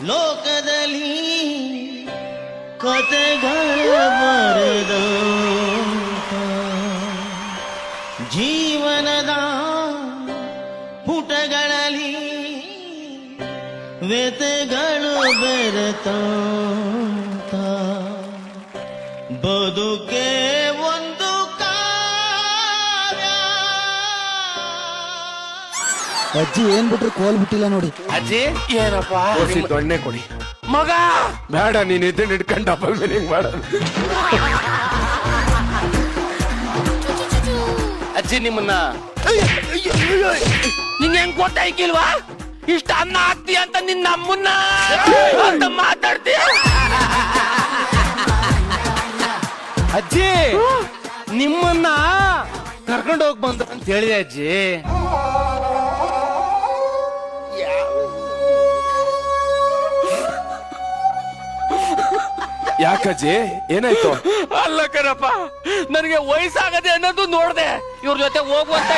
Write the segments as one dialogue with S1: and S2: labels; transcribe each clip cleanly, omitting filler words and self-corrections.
S1: ಲೋಕದಲ್ಲಿ ಕತೆಗಳ ಬರೆದ ಜೀವನದ ಪುಟಗಳಲ್ಲಿ ವ್ಯತೆಗಳು ಬೆರೆತ ಬದುಕೆ ಒಂದು ಕಾವ್ಯ.
S2: ಅಜ್ಜಿ ಏನ್ ಬಿಟ್ರು ಕೋಲ್ ಬಿಟ್ಟಿಲ್ಲ ನೋಡಿ.
S3: ಅಜ್ಜಿ ಏನಪ್ಪ
S4: ದೊಣ್ಣೆ ಕೊಡಿ
S3: ಮಗ.
S4: ಬೇಡ, ನೀನ್ ಇದನ್ನ ಹಿಡ್ಕೊಂಡು ಡಬಲ್ ಮೀನಿಂಗ್ ಮಾಡ.
S3: ಅಜ್ಜಿ ನಿಮ್ಮನ್ನ ನಿಂಗೆ ಹೆಂಗ್ ಗೊತ್ತಾಯ್ಕಿಲ್ವಾ? ಇಷ್ಟ ಅನ್ನ ಹಾಕ್ತೀಯ ಅಂತ ನಿನ್ನ ನಮ್ಮನ್ನ ಅಂತ ಮಾತಾಡ್ತೀಯ. ಅಜ್ಜಿ ನಿಮ್ಮನ್ನ ಕರ್ಕೊಂಡು ಹೋಗ್ ಬಂದ ಅಂತ ಹೇಳಿದೆ ಅಜ್ಜಿ.
S4: ಯಾಕಜ್ಜಿ ಏನಾಯ್ತು?
S3: ಅಲ್ಲ ಕಣಪ್ಪ, ನನಗೆ ವಯಸ್ಸಾಗದೆ ಅನ್ನೋದು ನೋಡ್ದೆ. ಇವ್ರ ಜೊತೆ ಹೋಗುವಂತ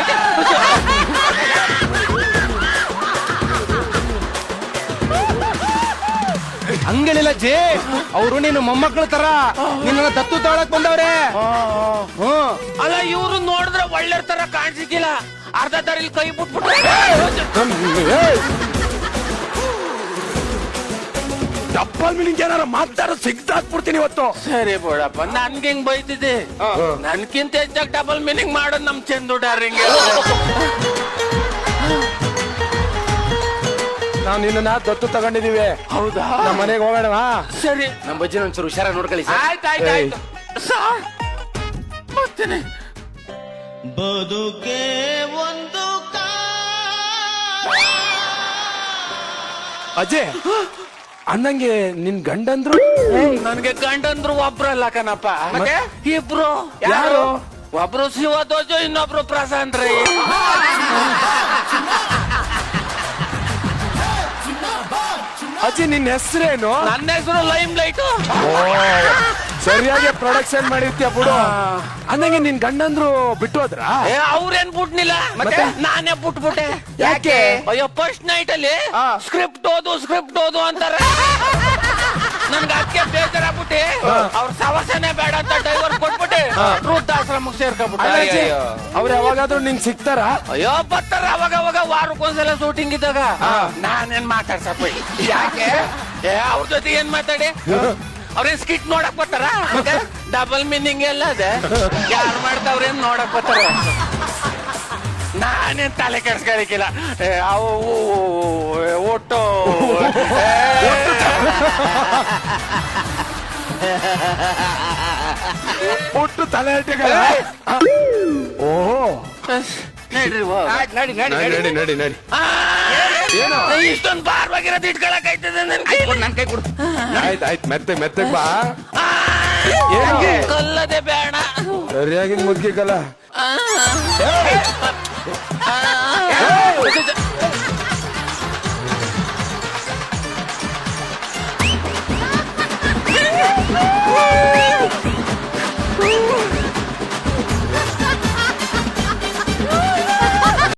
S3: ಹಂಗಳಿಲ್ಲ ಜೇ, ಅವರು ನೀನು ಮೊಮ್ಮಕ್ಕಳ ತರ ನಿನ್ನ ದತ್ತು ತಗೊಳಕ್ ಬಂದವ್ರೆ. ಅಲ್ಲ ಇವ್ರು ನೋಡಿದ್ರೆ ಒಳ್ಳೆ ತರ ಕಾಣಿಸಿಕ್ಕಿಲ್ಲ, ಅರ್ಧ ದಾರಿಲಿ ಕೈ ಬಿಟ್ಬಿಟ್ಟು
S4: ಡಬಲ್ ಮೀನಿಂಗ್ ಏನಾರ ಮಾತಾಡೋ ಸಿಗ್ದಾಕ್ಬಿಡ್ತೀನಿ ಇವತ್ತು.
S3: ಸರಿ ಬೋಡಪ್ಪ, ನನ್ಗೆ ಹೆಂಗ್ ಬೈತಿದ್ದೆ? ನನ್ಕಿಂತ ಹೆಚ್ಚಾಗಿ ಡಬಲ್ ಮೀನಿಂಗ್ ಮಾಡೋದು ನಮ್ ಚಂದು ಡಾರಿಂಗ್.
S4: ನಾವ್ ನಿನ್ನ ದತ್ತು ತಗೊಂಡಿದೀವಿ.
S3: ಹೌದಾ?
S4: ನಮ್ಮ ಮನೆಗೆ ಹೋಗೋಣವಾ?
S3: ಸರಿ,
S5: ನಮ್ಮ ಬಜ್ಜಿನ ಒಂಚೂರು ಹುಷಾರಾಗಿ ನೋಡ್ಕೊಳ್ಳಿ ಸರ್.
S3: ಆಯ್ತಾಯ್ತು ಬರ್ತೇನೆ.
S1: ಬದುಕೆ ಒಂದು
S4: ಅಜಯ್ ಅಂದಂಗೆ ನಿನ್ ಗಂಡಂದ್ರು?
S3: ನನ್ಗೆ ಗಂಡಂದ್ರು ಒಬ್ರಲ್ಲ ಕಣಪ್ಪ, ಇಬ್ರು.
S4: ಯಾರು?
S3: ಒಬ್ರು ಶಿವಧ್ವಜ, ಇನ್ನೊಬ್ರು ಪ್ರಶಾಂತ್ ರೈ.
S4: ಅಜ್ಜಿ ನಿನ್ ಹೆಸರೇನು?
S3: ನನ್ನ ಹೆಸರು ಲೈಮ್ ಲೈಟ್.
S4: ಸರಿಯಾಗಿ ಪ್ರೊಡಕ್ಷನ್ ಮಾಡಿರ್ತೀಯ ಬಿಡು. ಅಂದಂಗೆ ನಿನ್ ಗಂಡಂದ್ರು ಬಿಟ್ಟು ಹೋದ್ರ?
S3: ಅವ್ರೇನ್ ಬಿಟ್ನಿಲ್ಲ, ನಾನೇ ಬಿಟ್ಬಿಟ್ಟೆ.
S4: ಯಾಕೆ?
S3: ಅಯ್ಯೋ, ಫಸ್ಟ್ ನೈಟ್ ಅಲ್ಲಿ ಸ್ಕ್ರಿಪ್ಟ್ ಓದು ಅಂತಾರೆ. ನನ್ಗೆ ಅದಕ್ಕೆ ಬೇಜಾರಾಗ್ಬಿಟ್ಟೆ, ಅವ್ರ ಸವಸನೆ ಬೇಡ ಅಂತ ಡೈವರ್ ಕೊಟ್ಬಿಟ್ಟೆ ವೃದ್ಧಾಶ್ರಮಕ್ಕೆ ಸೇರ್ಕೊಂಡ್ಬಿಟ್ಟೆ.
S4: ಅವ್ರು ಯಾವಾಗಾದ್ರೂ ನಿಂಗ್ ಸಿಗ್ತಾರ?
S3: ಅಯ್ಯೋ ಬರ್ತಾರ ಅವಾಗ ವಾರಕ್ಕೊಂದ್ಸಲ ಶೂಟಿಂಗ್ ಇದ್ದಾಗ. ನಾನೇನ್ ಮಾತಾಡ್ಸಪ್ಪ, ಯಾಕೆ ಅವ್ರ ಜೊತೆ ಏನ್ ಮಾತಾಡಿ? ಅವ್ರೇನ್ ಸ್ಕಿಟ್ ನೋಡಕ್ ಬರ್ತಾರ? ಡಬಲ್ ಮೀನಿಂಗ್ ಎಲ್ಲ ಅದೇ, ಯಾರು ಮಾಡ್ತಾವ್ರೇನ್ ನೋಡಕ್ ಬರ್ತಾರ. ನಾನೇನ್ ತಲೆ ಕೆಡ್ಸ್ಕೊಳಿಕ್ಕಿಲ್ಲ. ಅವು ಒಟ್ಟು
S4: ಒಟ್ಟು ತಲೆ ಹಟ್ಟಿಗಳ. ಓಹೋ,
S3: ನಡಿ
S4: ನಡಿ ನಡಿ.
S3: ಇಷ್ಟೊಂದು ಭಾರವಾಗಿರೋದು ಇಟ್ಕೊಳಕ್ ಆಯ್ತದೆ ನನ್ ಕೈ ಕೊಡು.
S4: ಆಯ್ತು ಮೆತ್ತಗ್ ಬಾ.
S3: ಕಲ್ಲದೆ ಬೇಡ,
S4: ಸರಿಯಾಗಿ ಮುದ್ಗಿಕಲ್ಲ.